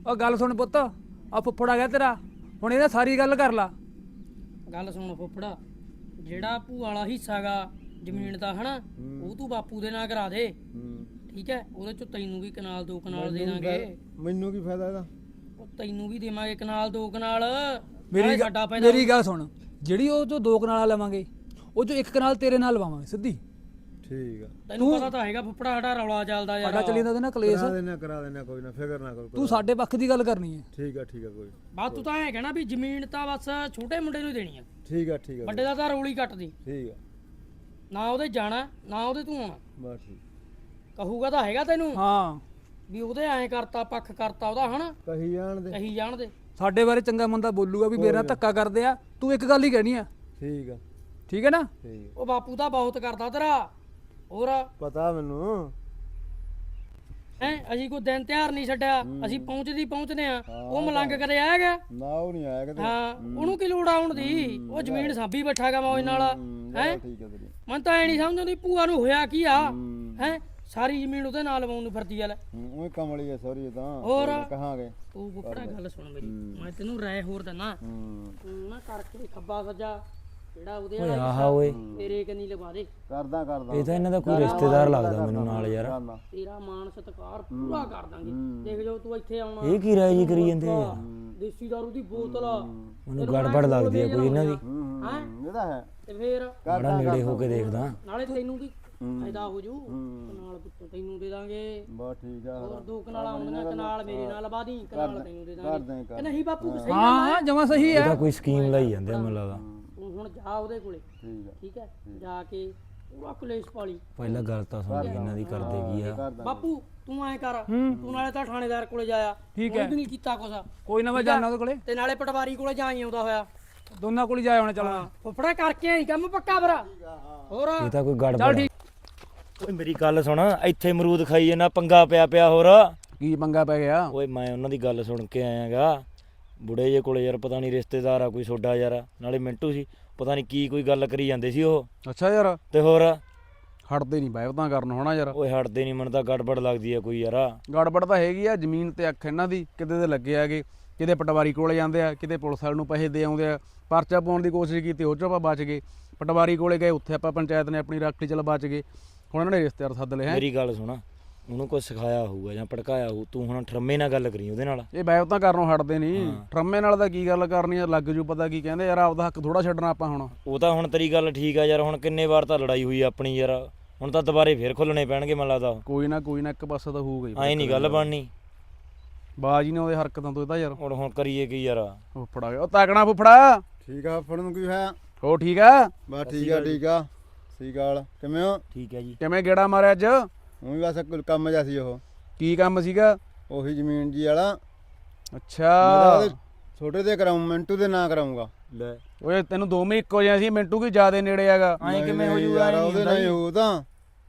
ਉਹ ਗੱਲ ਸੁਣ ਪੁੱਤ, ਆ ਫੁੱਫੜ ਆ ਗਿਆ ਤੇਰਾ, ਹੁਣ ਇਹਦਾ ਸਾਰੀ ਗੱਲ ਕਰ ਲਾ। ਗੱਲ ਸੁਣ ਫੁੱਫੜਾ, ਜਿਹੜਾ ਭੂਆ ਵਾਲਾ ਹਿੱਸਾ ਗਾ ਜ਼ਮੀਨ ਦਾ ਹਨਾ, ਉਹ ਤੂੰ ਬਾਪੂ ਦੇ ਨਾਂ ਕਰਾ ਦੇ। ਠੀਕ ਹੈ, ਉਹਦੇ ਚੋਂ ਤੈਨੂੰ ਵੀ ਕਨਾਲ 2 ਕਨਾਲ ਦੇ ਦਾਂਗੇ। ਮੈਨੂੰ ਕੀ ਫਾਇਦਾ ਇਹਦਾ? ਉਹ ਤੈਨੂੰ ਵੀ ਦੇਵਾਂਗੇ ਕਨਾਲ 2 ਕਨਾਲ। ਮੇਰੀ ਗੱਲ ਸੁਣ, ਜਿਹੜੀ ਉਹ ਚੋਂ 2 ਕਨਾਲਾਂ ਲਵਾਂਗੇ, ਉਹ ਚੋਂ 1 ਕਨਾਲ ਤੇਰੇ ਨਾਲ ਲਵਾਵਾਂਗੇ ਸਿੱਧੀ। ਠੀਕ ਆ, ਤੈਨੂੰ ਪਤਾ ਤਾਂ ਹੈਗਾ ਫੁੱਫੜਾ ਸਾਡਾ ਰੌਲਾ ਚੱਲਦਾ ਯਾਰ। ਸਾਡਾ ਚੱਲੀ ਜਾਂਦਾ ਨਾ ਕਲੇਸ਼। ਕਰਾ ਦੇਣਾ ਕੋਈ ਨਾ, ਫਿਕਰ ਨਾ ਕਰੋ। ਤੂੰ ਸਾਡੇ ਪੱਖ ਦੀ ਗੱਲ ਕਰਨੀ ਹੈ। ਠੀਕ ਆ ਕੋਈ। ਬਸ ਤੂੰ ਤਾਂ ਐਂ ਕਹਿਣਾ ਵੀ ਜ਼ਮੀਨ ਤਾਂ ਬਸ ਛੋਟੇ ਮੁੰਡੇ ਨੂੰ ਹੀ ਦੇਣੀ ਆ। ਠੀਕ ਆ ਵੱਡੇ ਦਾ ਤਾਂ ਰੋਲੀ ਕੱਟਦੀ। ਠੀਕ ਆ, ਨਾ ਉਹਦੇ ਜਾਣਾ ਨਾ ਉਹਦੇ ਤੂੰ ਆਉਣਾ। ਬਸ ਠੀਕ। ਕਹੂਗਾ ਤਾਂ ਹੈਗਾ ਤੈਨੂੰ ਹਾਂ ਵੀ ਉਹਦੇ ਐਂ ਕਰਤਾ ਪੱਖ ਕਰਤਾ ਉਹਦਾ ਹਨਾ, ਕਹੀ ਜਾਣ ਦੇ। ਕਹੀ ਜਾਣ ਦੇ। ਸਾਡੇ ਬਾਰੇ ਚੰਗਾ ਮੰਦਾ ਬੋਲੂਗਾ ਵੀ ਮੇਰੇ ਨਾਲ ਧੱਕਾ ਕਰਦੇ ਆ, ਤੂੰ ਇੱਕ ਗੱਲ ਹੀ ਕਹਿਣੀ ਆ। ਠੀਕ ਆ, ਠੀਕ ਹੈ ਨਾ? ਠੀਕ ਉਹ ਬਾਪੂ ਤਾਂ ਬਹੁਤ ਕਰਦਾ ਤੇਰਾ। ਹੋਰ ਪਤਾ ਮੈਨੂੰ। ਹੈ ਅਸੀਂ ਕੋਈ ਦਿਨ ਤਿਉਹਾਰ ਨਹੀਂ ਛੱਡਿਆ, ਅਸੀਂ ਪਹੁੰਚਦੇ ਆ। ਉਹ ਮਲੰਗ ਕਦੇ ਆਏਗਾ? ਨਾ ਉਹ ਨਹੀਂ ਆਇਆ ਕਦੇ। ਹਾਂ, ਉਹਨੂੰ ਕੀ ਲੋੜ ਆਉਣ ਦੀ? ਉਹ ਜ਼ਮੀਨ ਸਾਂਭੀ ਬੈਠਾਗਾ ਮੌਜ ਨਾਲ। ਹੈ ਠੀਕ ਆ ਤੇਰੀ। ਮਨ ਤਾਂ ਐ ਨਹੀਂ ਸਮਝ ਆਉਂਦੀ ਭੂਆ ਨੂੰ ਹੋਇਆ ਕੀ ਆ। ਹੈ ਸਾਰੀ ਜ਼ਮੀਨ ਉਹਦੇ ਨਾਲ ਲਵਾਉਣ ਨੂੰ ਫਿਰਦੀ ਆ ਲੈ। ਉਹ ਕਮਲੀ ਆ ਸੌਰੀ ਤਾਂ। ਹੋਰ ਕਹਾਂਗੇ ਤੂੰ ਫੁੱਫੜਾ ਗੱਲ ਸੁਣ ਮੇਰੀ, ਮੈਂ ਤੈਨੂੰ ਰਾਏ ਹੋਰ ਦਿੰਦਾ। ਤੂੰ ਨਾ ਕਰਕੇ ਖੱਬਾ ਸੱਜਾ ਜਿਹੜਾ ਉਹਦੇ ਵਾਲਾ ਓਏ ਤੇਰੇ ਕੰਨੀ ਲਵਾ ਦੇ। ਕਰਦਾ ਇਹ ਤਾਂ ਇਹਨਾਂ ਦਾ ਕੋਈ ਰਿਸ਼ਤੇਦਾਰ ਲੱਗਦਾ ਮੈਨੂੰ ਨਾਲ ਯਾਰ। ਤੇਰਾ ਮਾਣ ਸਤਿਕਾਰ ਪੂਰਾ ਕਰ ਦਾਂਗੇ। ਦੇਖ ਜੋ ਤੂੰ ਇੱਥੇ ਆਉਣਾ, ਇਹ ਕੀ ਰਾਏ ਜੀ ਕਰੀ ਜਾਂਦੇ ਆ? ਦੇਸੀ ਦਾਰੂ ਦੀ ਬੋਤਲ ਮੈਨੂੰ ਗੜਬੜ ਲੱਗਦੀ ਆ ਕੋਈ ਇਹਨਾਂ ਦੀ। ਹੈ ਇਹਦਾ ਹੈ। ਤੇ ਫੇਰ ਬੜਾ ਨੇੜੇ ਹੋ ਕੇ ਦੇਖਦਾ। ਨਾਲੇ ਤੈਨੂੰ ਵੀ ਫਾਇਦਾ ਹੋ ਜੂ, ਨਾਲ ਪੁੱਤ ਤੈਨੂੰ ਦੇ ਦਾਂਗੇ। ਬਸ ਠੀਕ ਆ। ਹੋਰ 2 ਕਨਾਲਾਂ ਆਉਂਦੀਆਂ, ਕਨਾਲ ਮੇਰੇ ਨਾਲ ਲਵਾ ਦੀ, ਕਨਾਲ ਤੈਨੂੰ ਦੇ ਕਰ ਦਾਂਗੇ। ਦੇ ਕਿ ਨਹੀਂ ਬਾਪੂ ਸਹੀ ਹਾਂ ਜਮਾ ਸਹੀ ਇਹ ਹੈ। ਤਾਂ ਕੋਈ ਸਕੀਮ ਲਾਈ ਜਾਂਦੇ ਆ ਮੈਨੂੰ ਲੱਗਦਾ। ਤੂੰ ਹੁਣ ਜਾ ਉਹਦੇ ਕੋਲੇ। ਠੀਕ ਆ, ਠੀਕ ਹੈ, ਜਾ ਕੇ ਪੂਰਾ ਕਲੇਸ਼ ਪਾਲੀ। ਪਹਿਲਾਂ ਗੱਲ ਤਾਂ ਸੁਣ ਲਈ ਇਹਨਾਂ ਦੀ ਕਰਦੇ ਕੀ ਆ। ਕਰਦਾ। ਬਾਪੂ ਤੂੰ ਐ ਕਰ, ਤੂੰ ਨਾਲੇ ਤਾਂ ਥਾਣੇਦਾਰ ਕੋਲੇ ਜਾਇਆ। ਠੀਕ ਹੈ। ਵੀ ਨਹੀਂ ਕੀਤਾ ਕੁਛ। ਕੋਈ ਨਾ ਮੈਂ ਜਾਣਾ ਉਹਦੇ ਕੋਲੇ, ਤੇ ਨਾਲੇ ਪਟਵਾਰੀ ਕੋਲੇ ਜਾਈ ਆਉਂਦਾ ਹੋਇਆ। ਦੋਨਾਂ ਕੋਲ ਹੀ ਜਾ ਆਉਣਾ। ਚੱਲਣਾ ਫੁੱਫੜਾ ਕਰਕੇ ਆਈ ਕੰਮ ਪੱਕਾ ਭਰਾ। ਹੋਰ ਇਹ ਤਾਂ ਕੋਈ ਗੜਬੜ ਚੱਲ ਆ। ਠੀਕ। ਓਏ ਮੇਰੀ ਗੱਲ ਸੁਣ, ਇੱਥੇ ਅਮਰੂਦ ਖਾਈ ਜਾਂਦਾ, ਪੰਗਾ ਪਿਆ ਹੋਰ। ਕੀ ਪੰਗਾ ਪੈ ਗਿਆ? ਓਏ ਮੈਂ ਉਹਨਾਂ ਦੀ ਗੱਲ ਸੁਣ ਕੇ ਆਇਆਗਾ ਬੁੜੇ ਜੇ ਕੋਲੇ ਯਾਰ, ਪਤਾ ਨਹੀਂ ਰਿਸ਼ਤੇਦਾਰ ਆ ਕੋਈ ਛੋਡਾ ਯਾਰ, ਨਾਲੇ ਮਿੰਟੂ ਸੀ, ਪਤਾ ਨਹੀਂ ਕੀ ਕੋਈ ਗੱਲ ਕਰੀ ਜਾਂਦੇ ਸੀ ਉਹ। ਅੱਛਾ ਯਾਰ, ਤੇ ਹੋਰ ਹਟਦੇ ਨਹੀਂ ਬਾਇਵਤਾਂ ਕਰਨ ਹੋਣਾ ਯਾਰ। ਓਏ ਹਟਦੇ ਨਹੀਂ, ਮੈਨੂੰ ਤਾਂ ਗੜਬੜ ਲੱਗਦੀ ਆ ਕੋਈ ਯਾਰ। ਗੜਬੜ ਤਾਂ ਹੈਗੀ ਆ, ਜ਼ਮੀਨ ਤੇ ਅੱਖ ਇਹਨਾਂ ਦੀ ਕਿਤੇ ਦੇ ਲੱਗੇ ਆਗੇ, ਕਿਤੇ ਪਟਵਾਰੀ ਕੋਲੇ ਜਾਂਦੇ ਆ, ਕਿਤੇ ਪੁਲਿਸ ਵਾਲੇ ਨੂੰ ਪੈਸੇ ਦੇ ਆਉਂਦੇ ਆ। ਪਰਚਾ ਪਾਉਣ ਦੀ ਕੋਸ਼ਿਸ਼ ਕੀਤੀ, ਉਹ 'ਚੋਂ ਆਪਾਂ ਬਚ ਗਏ। ਪਟਵਾਰੀ ਕੋਲੇ ਗਏ, ਉੱਥੇ ਆਪਾਂ ਪੰਚਾਇਤ ਨੇ ਆਪਣੀ ਰਾਖੀ ਚੱਲ ਬਚ ਗਏ। ਹੁਣ ਇਹਨਾਂ ਨੇ ਰਿਸ਼ਤੇਦਾਰ ਸੱਦ ਲਏ ਹੈ। ਮੇਰੀ ਗੱਲ ਸੁਣ, ਉਹਨੂੰ ਕੁਝ ਸਿਖਾਇਆ ਹੋਊਗਾ ਜਾਂ ਭੜਕਾਇਆ ਹੋਊ, ਤੂੰ ਹੁਣ ਠਰਮੇ ਨਾਲ ਗੱਲ ਕਰੀ ਉਹਦੇ ਨਾਲ। ਇਹ ਬਾਇਵਤਾਂ ਕਰਨੋਂ ਹਟਦੇ ਨਹੀਂ। ਟਰਮੇ ਨਾਲ ਤਾਂ ਕੀ ਗੱਲ ਕਰਨੀ ਆ, ਲੱਗ ਜੂ ਪਤਾ ਕੀ ਕਹਿੰਦੇ ਯਾਰ। ਆਪਦਾ ਹੱਕ ਥੋੜਾ ਛੱਡਣਾ ਆਪਾਂ ਹੁਣ। ਉਹ ਤਾਂ ਹੁਣ ਤੇਰੀ ਗੱਲ ਠੀਕ ਆ ਯਾਰ, ਹੁਣ ਕਿੰਨੇ ਵਾਰ ਤਾਂ ਲੜਾਈ ਹੋਈ ਆਪਣੀ ਯਾਰ, ਹੁਣ ਤਾਂ ਦੁਬਾਰੇ ਫੇਰ ਖੁੱਲਣੇ ਪੈਣਗੇ ਮੈਨੂੰ ਲੱਗਦਾ। ਕੋਈ ਨਾ ਇੱਕ ਪਾਸਾ ਤਾਂ ਹੋਊਗਾ ਹੀ। ਐਂ ਨਹੀਂ ਗੱਲ ਬਣਨੀ। ਬਾਜੀ ਨੇ ਉਹਦੇ ਹਰਕਤਾਂ ਤੋਂ ਇਹਦਾ ਯਾਰ। ਹੁਣ ਕਰੀਏ ਕੀ ਯਾਰ? ਫੁੱਫੜਾ ਗਿਆ ਉਹ ਤਾਕਣਾ ਫੁੱਫੜਾ। ਠੀਕ ਆ, ਫੜਨ ਨੂੰ ਕੀ ਹੋਇਆ? ਹੋ ਠੀਕ ਆ? ਬਸ ਠੀਕ ਆ। ਸਹੀ ਗੱਲ। ਕਿਵੇਂ ਹੋ? ਠੀਕ ਹੈ ਜੀ। ਕਿਵੇਂ ਗੇੜਾ ਮਾਰਿਆ ਅੱਜ? ਉਹ ਵੀ ਬਸ ਕੋਈ ਕੰਮ ਜਿਹਾ ਸੀ। ਉਹ ਕੀ ਕੰਮ ਸੀਗਾ? ਉਹੀ ਜ਼ਮੀਨ ਜੀ ਵਾਲਾ। ਅੱਛਾ, ਛੋਟੇ ਦੇ ਕਰਾਉਂ, ਮਿੰਟੂ ਦੇ ਨਾਂ ਕਰਾਉਂਗਾ। ਲੈ ਓਏ ਤੈਨੂੰ ਦੋਵੇਂ ਇੱਕੋ ਜਿਹਾ ਸੀ, ਮਿੰਟੂ ਕੀ ਜ਼ਿਆਦੇ ਨੇੜੇ ਹੈਗਾ। ਐਂ ਕਿਵੇਂ ਹੋ ਜੂਗਾ? ਯਾਰ ਉਹਦੇ ਨਾਲ ਹੀ ਹੋ ਤਾਂ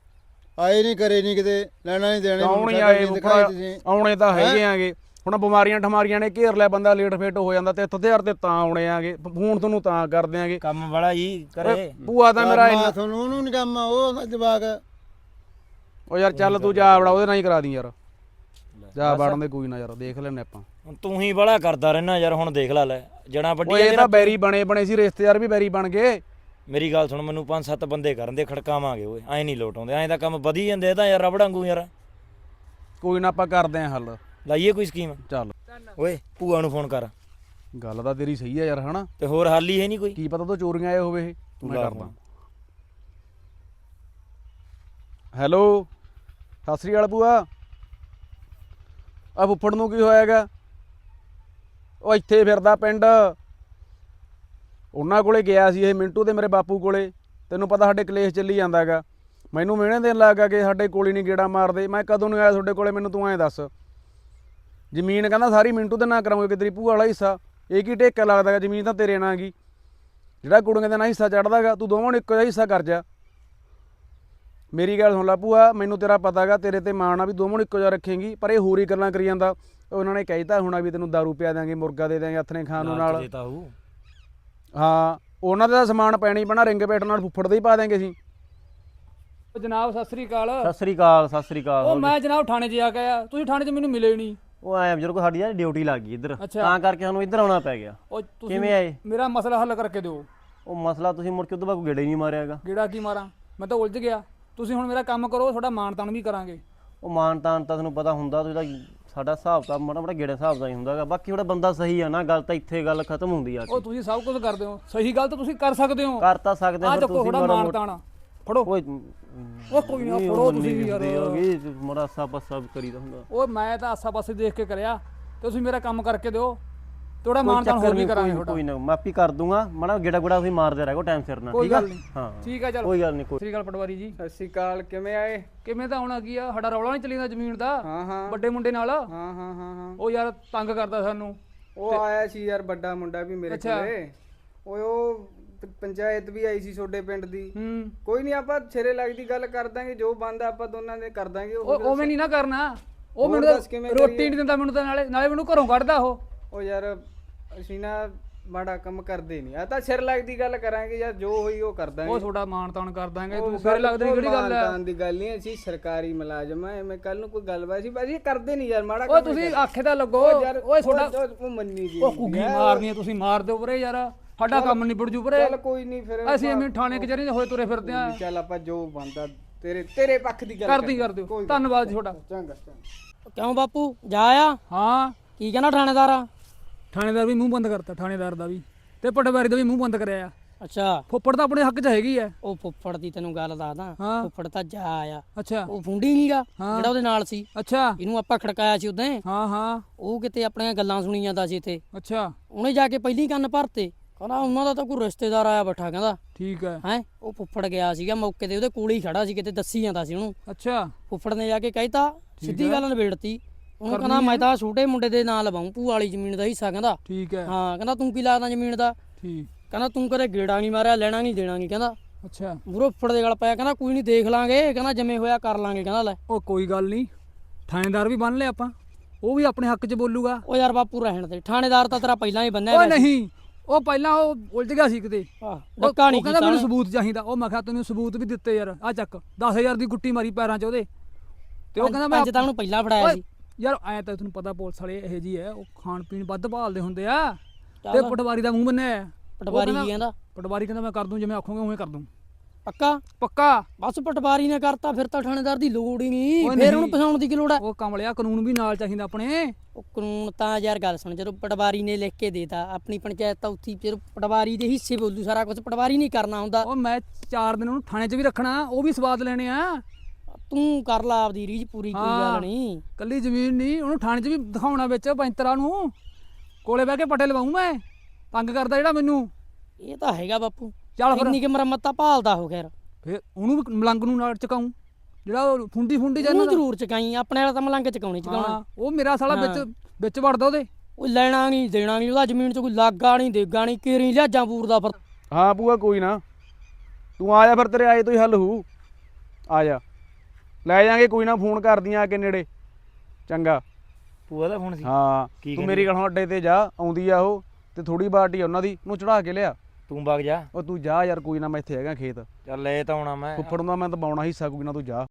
ਆਏ ਨਹੀਂ, ਕਰੇ ਨਹੀਂ, ਕਿਤੇ ਲੈਣਾ ਨਹੀਂ ਦੇਣਾ। ਕੌਣ ਹੀ ਆਏ ਫੁੱਫੜਾ? ਆਉਣੇ ਤਾਂ ਹੈਗੇ ਆਗੇ। ਹੁਣ ਬਿਮਾਰੀਆਂ ਠਮਾਰੀਆਂ ਨੇ ਘੇਰ ਲਿਆ, ਬੰਦਾ ਲੇਟ ਫੇਟ ਹੋ ਜਾਂਦਾ। ਤੇ ਹਥਿਆਰ ਤੇ ਤਾਂ ਆਉਣੇ ਆਗੇ, ਫੋਨ ਤੁਹਾਨੂੰ ਤਾਂ ਕਰਦੇ ਆਗੇ। ਕੰਮ ਵਾਲਾ ਜੀ ਕਰੇ। ਭੂਆ ਤਾਂ ਮੇਰਾ ਤੁਹਾਨੂੰ ਉਹਨੂੰ ਨਹੀਂ ਕੰਮ ਆ, ਉਹ ਜਵਾਕ। ਓ ਯਾਰ ਚੱਲ ਤੂੰ ਜਾ ਵੜਾ, ਉਹਦੇ ਨਾਲ ਹੀ ਕਰਾ ਦੀ ਯਾਰ। ਜਾ ਵੜਨ ਦੇ, ਕੋਈ ਨਾ ਯਾਰ, ਦੇਖ ਲੈਣੇ ਆਪਾਂ। ਹੁਣ ਤੂੰ ਹੀ ਬੜਾ ਕਰਦਾ ਰਹਿਣਾ ਯਾਰ, ਹੁਣ ਦੇਖ ਲੈ ਜਣਾ ਵੱਡੀ। ਇਹ ਤਾਂ ਬੈਰੀ ਬਣੇ ਸੀ, ਰਿਸ਼ਤੇਦਾਰ ਵੀ ਬੈਰੀ ਬਣ ਗਏ। ਮੇਰੀ ਗੱਲ ਸੁਣ, ਮੈਨੂੰ 5-7 ਬੰਦੇ ਕਰਨ ਦੇ, ਖੜਕਾਵਾਂਗੇ। ਓਏ ਐਂ ਨਹੀਂ ਲੋਟ ਆਉਂਦੇ, ਐਂ ਤਾਂ ਕੰਮ ਵਧੀ ਜਾਂਦੇ। ਇਹ ਤਾਂ ਯਾਰ ਰਬੜ ਵਾਂਗੂ ਯਾਰ। ਕੋਈ ਨਾ ਆਪਾਂ ਕਰਦੇ ਆਂ ਹੱਲ। ਲਾਈਏ ਕੋਈ ਸਕੀਮ। ਚੱਲ ਓਏ ਭੂਆ ਨੂੰ ਫੋਨ ਕਰ। ਗੱਲ ਤਾਂ ਤੇਰੀ ਸਹੀ ਆ ਯਾਰ, ਹਨਾ? ਤੇ ਹੋਰ ਹੱਲ ਹੀ ਹੈ ਨਹੀਂ ਕੋਈ। ਕੀ ਪਤਾ ਤੋਂ ਚੋਰੀਆਂ ਆਏ ਹੋਵੇ ਇਹ। ਮੈਂ ਕਰਦਾ। ਹੈਲੋ, ਸਤਿ ਸ੍ਰੀ ਅਕਾਲ ਭੂਆ। ਆ ਫੁੱਫੜ ਨੂੰ ਕੀ ਹੋਇਆਗਾ? ਉਹ ਇੱਥੇ ਫਿਰਦਾ ਪਿੰਡ। ਉਹਨਾਂ ਕੋਲੇ ਗਿਆ ਸੀ ਇਹ, ਮਿੰਟੂ ਤੇ ਮੇਰੇ ਬਾਪੂ ਕੋਲੇ। ਤੈਨੂੰ ਪਤਾ ਸਾਡੇ ਕਲੇਸ਼ ਚੱਲੀ ਜਾਂਦਾ ਹੈਗਾ। ਮੈਨੂੰ ਮਿਹਣੇ ਦੇਣ ਲੱਗ ਗਿਆ ਕਿ ਸਾਡੇ ਕੋਲ ਹੀ ਨਹੀਂ ਗੇੜਾ ਮਾਰਦੇ। ਮੈਂ ਕਦੋਂ ਨੂੰ ਆਇਆ ਤੁਹਾਡੇ ਕੋਲੇ, ਮੈਨੂੰ ਤੂੰ ਐਂ ਦੱਸ। ਜ਼ਮੀਨ ਕਹਿੰਦਾ ਸਾਰੀ ਮਿੰਟੂ ਦੇ ਨਾਂ ਕਰਾਉਂਗੇ, ਕਿ ਤੇਰੀ ਭੂਆ ਵਾਲਾ ਹਿੱਸਾ। ਇਹ ਕੀ ਢੇਕਾ ਲੱਗਦਾ ਗਾ? ਜ਼ਮੀਨ ਤਾਂ ਤੇਰੇ ਨਾਂ ਗਈ। ਜਿਹੜਾ ਕੁੜੀਆਂ ਦੇ ਨਾਂ ਹਿੱਸਾ ਚੜ੍ਹਦਾ ਗਾ, ਤੂੰ ਦੋਵਾਂ ਨੂੰ ਇੱਕੋ ਜਿਹਾ ਹਿੱਸਾ ਕਰ ਜਾ। ਮੇਰੀ ਗੱਲ ਸੁਣ ਲੈ ਭੂਆ, ਮੈਨੂੰ ਤੇਰਾ ਪਤਾ ਗਾ, ਤੇਰੇ ਤੇ ਮਾਣ ਆ ਵੀ ਦੋਵਾਂ ਨੂੰ ਇੱਕੋ ਜਿਹਾ ਰੱਖੇਂਗੀ। ਪਰ ਇਹ ਹੋਰ ਹੀ ਗੱਲਾਂ ਕਰੀ ਜਾਂਦਾ। ਉਹਨਾਂ ਨੇ ਕਹਿਤਾ ਹੋਣਾ ਵੀ ਤੈਨੂੰ ਦਾਰੂ ਪਿਆ ਦਾਂਗੇ, ਮੁਰਗਾ ਦੇ ਦਾਂਗੇ, ਹੱਥ ਨੇ ਖਾਣ ਨੂੰ ਨਾਲ। ਹਾਂ, ਉਹਨਾਂ ਦਾ ਸਮਾਨ ਪੈਣੀ ਪੈਣਾ, ਰਿੰਗ ਪੇਟ ਨਾਲ ਫੁੱਫੜ ਦੇ ਹੀ ਪਾ ਦੇਂਗੇ ਅਸੀਂ। ਜਨਾਬ ਸਤਿ ਸ੍ਰੀ ਅਕਾਲ। ਸਤਿ ਸ੍ਰੀ ਅਕਾਲ। ਸਤਿ ਸ੍ਰੀ ਅਕਾਲ। ਉਹ ਮੈਂ ਜਨਾਬ ਥਾਣੇ 'ਚ ਆ ਕੇ ਆਇਆ, ਤੁਸੀਂ ਥਾਣੇ 'ਚ ਮੈਨੂੰ ਮਿਲੇ ਨਹੀਂ। ਉਹ ਆਇਆ ਬਜ਼ੁਰਗ ਸਾਡੀ ਯਾਰ ਡਿਊਟੀ ਲੱਗ ਗਈ ਇੱਧਰ ਅੱਛਾ। ਤਾਂ ਕਰਕੇ ਸਾਨੂੰ ਇੱਧਰ ਆਉਣਾ ਪੈ ਗਿਆ। ਉਹ ਤੁਸੀਂ ਕਿਵੇਂ ਆਏ? ਮੇਰਾ ਮਸਲਾ ਹੱਲ ਕਰਕੇ ਦਿਓ। ਉਹ ਮਸਲਾ ਤੁਸੀਂ ਮੁੜ ਕੇ ਉਦੋਂ ਬਾਅਦ ਕੋਈ ਗੇੜਾ ਹੀ ਨਹੀਂ ਮਾਰਿਆਗਾ। ਗੇੜਾ ਕੀ ਮਾਰਾਂ, ਮੈਂ ਤਾਂ ਉਲਝ ਗਿਆ। ਤੁਸੀਂ ਹੁਣ ਮੇਰਾ ਕੰਮ ਕਰੋ, ਤੁਹਾਡਾ ਮਾਣ ਤਾਣ ਵੀ ਕਰਾਂਗੇ। ਉਹ ਮਾਨ ਤਾਨ ਤਾਂ ਤੁਹਾਨੂੰ ਪਤਾ ਹੁੰਦਾ, ਤੁਸੀਂ ਤਾਂ ਸਾਡਾ ਹਿਸਾਬ ਤਾਂ ਮਾੜਾ ਮਾੜਾ ਗੇੜੇ ਹਿਸਾਬ ਦਾ ਹੀ ਹੁੰਦਾਗਾ। ਬਾਕੀ ਤੁਹਾਡਾ ਬੰਦਾ ਸਹੀ ਆ ਨਾ, ਗੱਲ ਤਾਂ ਇੱਥੇ ਗੱਲ ਖਤਮ ਹੁੰਦੀ ਆ। ਉਹ ਤੁਸੀਂ ਸਭ ਕੁਝ ਕਰਦੇ ਹੋ, ਸਹੀ ਗੱਲ ਤਾਂ ਤੁਸੀਂ ਕਰ ਸਕਦੇ ਹੋ। ਕਰ ਤਾਂ ਸਕਦੇ ਆ ਫਿਰ ਚੱਕੋ ਤੁਸੀਂ ਤੁਹਾਡਾ ਮਾੜਾ ਮਾਣ ਮੋਟਾ ਤਾਣ ਫੜੋ। ਓਏ ਉਹ ਕੋਈ ਨਾ ਫੜੋ ਤੁਸੀਂ ਵੀ ਯਾਰ। ਮਾੜਾ ਸਾਪਾ ਸਭ ਕਰੀਦਾ ਹੁੰਦਾ। ਉਹ ਮੈਂ ਤਾਂ ਆਸਾ ਪਾਸੇ ਦੇਖ ਕੇ ਕਰਿਆ, ਤੇ ਤੁਸੀਂ ਮੇਰਾ ਕੰਮ ਕਰਕੇ ਦਿਓ, ਤੁਹਾਡਾ ਮਾਣ ਤਾਣ ਹੋਰ ਵੀ ਕਰਾਂਗੇ ਤੁਹਾਡਾ। ਕੋਈ ਨਾ ਮਾਪੀ ਕਰ ਦੂੰਗਾ, ਮਾੜਾ ਗੇੜਾ ਗੁੜਾ ਤੁਸੀਂ ਮਾਰਦੇ ਰਹੋ ਟਾਈਮ ਸਿਰ ਨਾਲ, ਕੋਈ ਠੀਕ ਆ? ਗੱਲ ਨਹੀਂ। ਹਾਂ ਠੀਕ ਆ, ਚਲ ਕੋਈ ਗੱਲ ਨਹੀਂ। ਕੋਈ ਸ੍ਰੀ ਅਕਾਲ ਪਟਵਾਰੀ ਜੀ। ਸਤਿ ਸ਼੍ਰੀ ਅਕਾਲ, ਕਿਵੇਂ ਆਏ? ਕਿਵੇਂ ਤਾਂ ਆਉਣਾ ਕੀ ਆ, ਸਾਡਾ ਰੌਲਾ ਨਹੀਂ ਚੱਲੀਦਾ ਜ਼ਮੀਨ ਦਾ ਹਾਂ ਹਾਂ ਵੱਡੇ ਮੁੰਡੇ ਨਾਲ। ਹਾਂ ਹਾਂ ਹਾਂ ਹਾਂ ਉਹ ਯਾਰ ਤੰਗ ਕਰਦਾ ਸਾਨੂੰ। ਉਹ ਆਇਆ ਸੀ ਯਾਰ ਵੱਡਾ ਮੁੰਡਾ ਵੀ ਮੇਰੇ ਅੱਛਾ। ਕੋਲੇ। ਓਏ ਉਹ ਪੰਚਾਇਤ ਵੀ ਆਈ ਸੀ ਤੁਹਾਡੇ ਪਿੰਡ ਦੀ। ਕੋਈ ਨਹੀਂ, ਆਪਾਂ ਸਿਰੇ ਲੱਗਦੀ ਗੱਲ ਕਰ ਦਾਂਗੇ, ਜੋ ਬੰਦਾ ਆਪਾਂ ਦੋਨਾਂ ਦੇ ਕਰ ਦਾਂਗੇ। ਉਹ ਉਵੇਂ ਨਹੀਂ ਨਾ ਕਰਨਾ। ਉਹ ਹੋਰ ਮੈਨੂੰ ਦੱਸ ਤਾਂ ਕਿਵੇਂ ਰੋਟੀ ਕਰੀਏ? ਨਹੀਂ ਦਿੰਦਾ ਮੈਨੂੰ ਤਾਂ, ਨਾਲੇ ਨਾਲੇ ਮੈਨੂੰ ਘਰੋਂ ਕੱਢਦਾ ਉਹ। ਉਹ ਯਾਰ ਅਸੀਂ ਨਾ ਮਾੜਾ ਕੰਮ ਕਰਦੇ ਨਹੀਂ, ਆ ਤਾਂ ਸਿਰ ਲੱਗਦੀ ਗੱਲ ਕਰਾਂਗੇ ਯਾਰ, ਜੋ ਹੋਈ ਉਹ ਕਰ ਦਾਂਗੇ। ਉਹ ਤੁਹਾਡਾ ਮਾਣ ਤਾਣ ਕਰ ਦਾਂਗੇ। ਉਹ ਤੂੰ ਸਿਰ ਲੱਗਦੇ ਕਿਹੜੀ ਗੱਲ ਹੈ? ਮਾਨਤਾਨ ਦੀ ਗੱਲ ਨਹੀਂ, ਅਸੀਂ ਸਰਕਾਰੀ ਮੁਲਾਜ਼ਮ ਆ, ਐਵੇਂ ਕੱਲ ਨੂੰ ਕੋਈ ਗੱਲਬਾਤ ਸੀ ਬਾਜੀ ਕਰਦੇ ਨਹੀਂ ਯਾਰ ਮਾੜਾ ਓਏ ਤੁਸੀਂ ਆਖੇ ਤਾਂ ਲੱਗੋ। ਓਏ ਤੁਹਾਡਾ ਉਹ ਮੰਨੀ ਜੀ ਉਹ ਕੁੱਗੀ ਮਾਰਨੀ ਆ, ਤੁਸੀਂ ਮਾਰ ਦਿਓ ਵੀਰੇ ਯਾਰ, ਸਾਡਾ ਕੰਮ ਨਿਬੜ ਜੂ ਵੀਰੇ। ਚੱਲ ਕੋਈ ਨਹੀਂ, ਫਿਰ ਅਸੀਂ ਐਵੇਂ ਥਾਣੇ ਕਚਹਿਰੀ ਦੇ ਹੋਏ ਤੁਰੇ ਫਿਰਦੇ ਆ। ਚੱਲ ਆਪਾਂ ਜੋ ਬੰਦਾ ਤੇਰੇ ਪੱਖ ਦੀ ਗੱਲ ਕਰਦੀ ਕਰ ਦਿਓ। ਧੰਨਵਾਦ ਜੀ ਤੁਹਾਡਾ। ਚੰਗਾ ਚੰਗਾ। ਕਿਉਂ ਬਾਪੂ ਜਾ ਆ? ਹਾਂ ਕੀ ਕਹਿੰਦਾ ਥਾਣੇਦਾਰ ਆ? ਥਾਣੇਦਾਰ ਵੀ ਮੂੰਹ ਬੰਦ ਕਰਤਾ, ਥਾਣੇਦਾਰ ਦਾ ਵੀ ਤੇ ਪਟਵਾਰੀ ਦਾ ਵੀ ਮੂੰਹ ਬੰਦ ਕਰਿਆ ਆ। ਅੱਛਾ, ਫੁੱਫੜ ਤਾਂ ਆਪਣੇ ਹੱਕ 'ਚ ਹੈਗੀ ਆ। ਉਹ ਫੁੱਫੜ ਦੀ ਤੈਨੂੰ ਗੱਲ ਦੱਸਦਾ। ਹਾਂ। ਫੁੱਫੜ ਤਾਂ ਜਾ ਆ। ਅੱਛਾ ਉਹ ਫੁੰਡੀ ਨੀਗਾ ਹਾਂ। ਜਿਹੜਾ ਉਹਦੇ ਨਾਲ ਸੀ, ਅੱਛਾ ਇਹਨੂੰ ਆਪਾਂ ਖੜਕਾਇਆ ਸੀ ਉਦੋਂ। ਹਾਂ ਹਾਂ ਉਹ ਕਿਤੇ ਆਪਣੀਆਂ ਗੱਲਾਂ ਸੁਣੀ ਜਾਂਦਾ ਸੀ ਇੱਥੇ। ਅੱਛਾ ਉਹਨੇ ਜਾ ਕੇ ਪਹਿਲੀ ਕੰਨ ਭਰਤੇ, ਕਹਿੰਦਾ ਉਹਨਾਂ ਦਾ ਤਾਂ ਕੋਈ ਰਿਸ਼ਤੇਦਾਰ ਆਇਆ ਬੈਠਾ, ਕਹਿੰਦਾ ਠੀਕ ਹੈ। ਹੈ। ਉਹ ਫੁੱਫੜ ਗਿਆ ਸੀਗਾ ਮੌਕੇ ਤੇ, ਉਹਦੇ ਕੋਲ ਹੀ ਖੜਾ ਸੀ, ਕਿਤੇ ਦੱਸੀ ਜਾਂਦਾ ਸੀ ਉਹਨੂੰ। ਅੱਛਾ ਫੁੱਫੜ ਨੇ ਜਾ ਕੇ ਕਹਿਤਾ, ਸਿੱਧੀ ਗੱਲ ਨਿਬੇੜਤੀ। ਉਹਨੂੰ ਕਹਿੰਦਾ ਮੈਂ ਤਾਂ ਛੋਟੇ ਮੁੰਡੇ ਦੇ ਨਾਂ ਲਵਾਉਂ ਭੂਆ ਵਾਲੀ ਜ਼ਮੀਨ ਦਾ ਹਿੱਸਾ, ਕਹਿੰਦਾ। ਠੀਕ ਹੈ। ਹਾਂ, ਕਹਿੰਦਾ ਤੂੰ ਕੀ ਲੱਗਦਾ ਜ਼ਮੀਨ ਦਾ? ਠੀਕ। ਕਹਿੰਦਾ ਤੂੰ ਕਦੇ ਗੇੜਾ ਨਹੀਂ ਮਾਰਿਆ, ਲੈਣਾ ਨਹੀਂ ਦੇਣਾ ਨਹੀਂ, ਕਹਿੰਦਾ। ਅੱਛਾ ਮੂਹਰੋਂ ਫੁੱਫੜ ਦੇ ਗੱਲ ਪਾਇਆ, ਕਹਿੰਦਾ ਕੋਈ ਨਹੀਂ ਦੇਖ ਲਾਂਗੇ, ਕਹਿੰਦਾ ਜਿਵੇਂ ਹੋਇਆ ਕਰ ਲਾਂਗੇ, ਕਹਿੰਦਾ। ਲੈ ਉਹ ਕੋਈ ਗੱਲ ਨਹੀਂ, ਥਾਣੇਦਾਰ ਵੀ ਬੰਨ ਲਿਆ ਆਪਾਂ, ਉਹ ਵੀ ਆਪਣੇ ਹੱਕ 'ਚ ਬੋਲੂਗਾ। ਉਹ ਯਾਰ ਬਾਪੂ ਰਹਿਣ ਦੇ, ਥਾਣੇਦਾਰ ਤਾਂ ਤੇਰਾ ਪਹਿਲਾਂ ਹੀ ਬੰਨਿਆ ਉਹ ਨਹੀਂ, ਉਹ ਪਹਿਲਾਂ ਉਹ ਉਲਝ ਗਿਆ ਸੀ ਕਿਤੇ। ਡੱਕਾ ਨਹੀਂ ਉਹ ਕਹਿੰਦਾ ਕੀਤਾ ਮੈਨੂੰ ਸਬੂਤ ਚਾਹੀਦਾ। ਉਹ ਮੈਂ ਕਿਹਾ ਤੈਨੂੰ ਸਬੂਤ ਵੀ ਦਿੱਤੇ ਯਾਰ, ਆ ਚੱਕ 10,000 ਦੀ ਗੁੱਟੀ ਮਾਰੀ ਪੈਰਾਂ 'ਚ ਉਹਦੇ। ਤੇ ਉਹ ਕਹਿੰਦਾ ਮੈਂ ਤਾਂ ਉਹਨੂੰ ਪਹਿਲਾਂ ਫੜਾਇਆ ਓਏ ਸੀ। ਯਾਰ ਐ ਤਾਂ ਤੈਨੂੰ ਪਤਾ ਪੁਲਿਸ ਵਾਲੇ ਇਹੋ ਜੀ ਐ, ਉਹ ਖਾਣ ਪੀਣ ਵੱਧ ਭਾਲਦੇ ਹੁੰਦੇ ਆ। ਤੇ ਚੱਲ। ਪਟਵਾਰੀ ਦਾ ਮੂੰਹ ਬੰਨਿਆ ਹੈ। ਪਟਵਾਰੀ ਕੀ ਕਹਿੰਦਾ? ਪਟਵਾਰੀ ਕਹਿੰਦਾ ਮੈਂ ਕਰ ਦੂੰ, ਜਿਵੇਂ ਆਖੋਗੇ ਉਵੇਂ ਕਰ ਦੂੰ। ਪੱਕਾ? ਪੱਕਾ। ਬਸ ਪਟਵਾਰੀ ਨੇ ਕਰਤਾ, ਫਿਰ ਤਾਂ ਥਾਣੇਦਾਰ ਦੀ ਲੋੜ ਹੀ ਨਹੀਂ, ਓਏ ਫਿਰ ਨਹੀਂ। ਉਹਨੂੰ ਫਸਾਉਣ ਦੀ ਕੀ ਲੋੜ ਹੈ? ਉਹ ਕਮਲਿਆ, ਕਾਨੂੰਨ ਵੀ ਨਾਲ ਚਾਹੀਦਾ ਆਪਣੇ। ਉਹ ਕਾਨੂੰਨ ਤਾਂ ਯਾਰ ਗੱਲ ਸੁਣ, ਜਦੋਂ ਪਟਵਾਰੀ ਨੇ ਲਿਖ ਕੇ ਦੇਤਾ, ਆਪਣੀ ਪੰਚਾਇਤ ਤਾਂ ਉੱਥੀ ਫਿਰ ਪਟਵਾਰੀ ਦੇ ਹਿੱਸੇ ਬੋਲੂ ਸਾਰਾ ਕੁਝ, ਪਟਵਾਰੀ ਨਹੀਂ ਕਰਨਾ ਹੁੰਦਾ। ਉਹ ਮੈਂ 4 ਦਿਨ ਉਹਨੂੰ ਥਾਣੇ 'ਚ ਵੀ ਰੱਖਣਾ, ਉਹ ਵੀ ਸਵਾਦ ਲੈਣੇ ਆ। ਤੂੰ ਕਰ ਲਾ ਆਪਦੀ ਰੀਝ ਪੂਰੀ, ਕੋਈ ਗੱਲ ਨਹੀਂ। ਕੱਲੀ ਜ਼ਮੀਨ ਨਹੀਂ, ਉਹਨੂੰ ਥਾਣੇ 'ਚ ਵੀ ਦਿਖਾਉਣਾ ਵਿੱਚ ਪੈਂਤਰਾ ਨੂੰ। ਕੋਲੇ ਬਹਿ ਕੇ ਪੱਟੇ ਲਵਾਉਂ ਮੈਂ, ਤੰਗ ਕਰਦਾ ਜਿਹੜਾ ਮੈਨੂੰ। ਇਹ ਤਾਂ ਹੈਗਾ ਬਾਪੂ, ਚੱਲ ਫਿਰ ਇੰਨੀ ਕਿ ਮੁਰੰਮਤ ਤਾਂ ਭਾਲਦਾ ਹੋ ਖੈਰ। ਫਿਰ ਉਹਨੂੰ ਵੀ ਮਲੰਗ ਨੂੰ ਨਾਲ ਚਕਾਉਂ, ਜਿਹੜਾ ਉਹ ਫੁੰਡੀ ਉਹਨੂੰ ਜਾਂਦਾ। ਜ਼ਰੂਰ ਚਕਾਈ, ਆਪਣੇ ਵਾਲਾ ਤਾਂ ਮਲੰਗ ਚਕਾਉਣੀ ਚਕਾਉਣਾ। ਉਹ ਮੇਰਾ ਸਾਲਾ ਵਿੱਚ ਵੜਦਾ ਉਹਦੇ। ਉਹ ਲੈਣਾ ਨਹੀਂ ਦੇਣਾ ਨਹੀਂ, ਉਹਦਾ ਜ਼ਮੀਨ 'ਚ ਕੋਈ ਲਾਗਾ ਨਹੀਂ ਦੇਗਾ ਨਹੀਂ, ਕੇਰੀ ਲਿਆਜਾਂ ਪੂਰਦਾ ਫਿਰ। ਹਾਂ ਭੂਆ ਕੋਈ ਨਾ, ਤੂੰ ਆ ਜਾ ਫਿਰ, ਤੇਰੇ ਆਏ ਤੋਂ ਹੀ ਹੱਲ ਹੋਊ। ਆ ਜਾ, ਲੈ ਜਾਾਂਗੇ ਕੋਈ ਨਾ, ਫੋਨ ਕਰਦੀਆਂ ਆ ਕੇ ਨੇੜੇ। ਚੰਗਾ। ਭੂਆ ਦਾ ਫੋਨ ਸੀ? ਹਾਂ ਕੀ ਤੂੰ ਮੇਰੀ ਗੱਲ ਹੁਣ ਅੱਡੇ ਤੇ ਜਾ, ਆਉਂਦੀ ਆ ਉਹ, ਤੇ ਥੋੜੀ ਬਾਟੀ ਆ ਉਹਨਾਂ ਦੀ, ਉਹਨੂੰ ਚੜਾ ਕੇ ਲਿਆ। ਤੂੰ ਵਗ ਜਾ। ਉਹ ਤੂੰ ਜਾ ਯਾਰ, ਕੋਈ ਨਾ, ਮੈਂ ਇੱਥੇ ਹੈਗਾ ਖੇਤ। ਚੱਲ ਲੈ ਤਾਂ ਆਉਣਾ ਮੈਂ। ਫੁੱਫੜ ਨੂੰ ਤਾਂ ਮੈਂ ਦਬਾਉਣਾ ਹਿੱਸਾ, ਕੋਈ ਨਾ ਤੂੰ ਜਾ।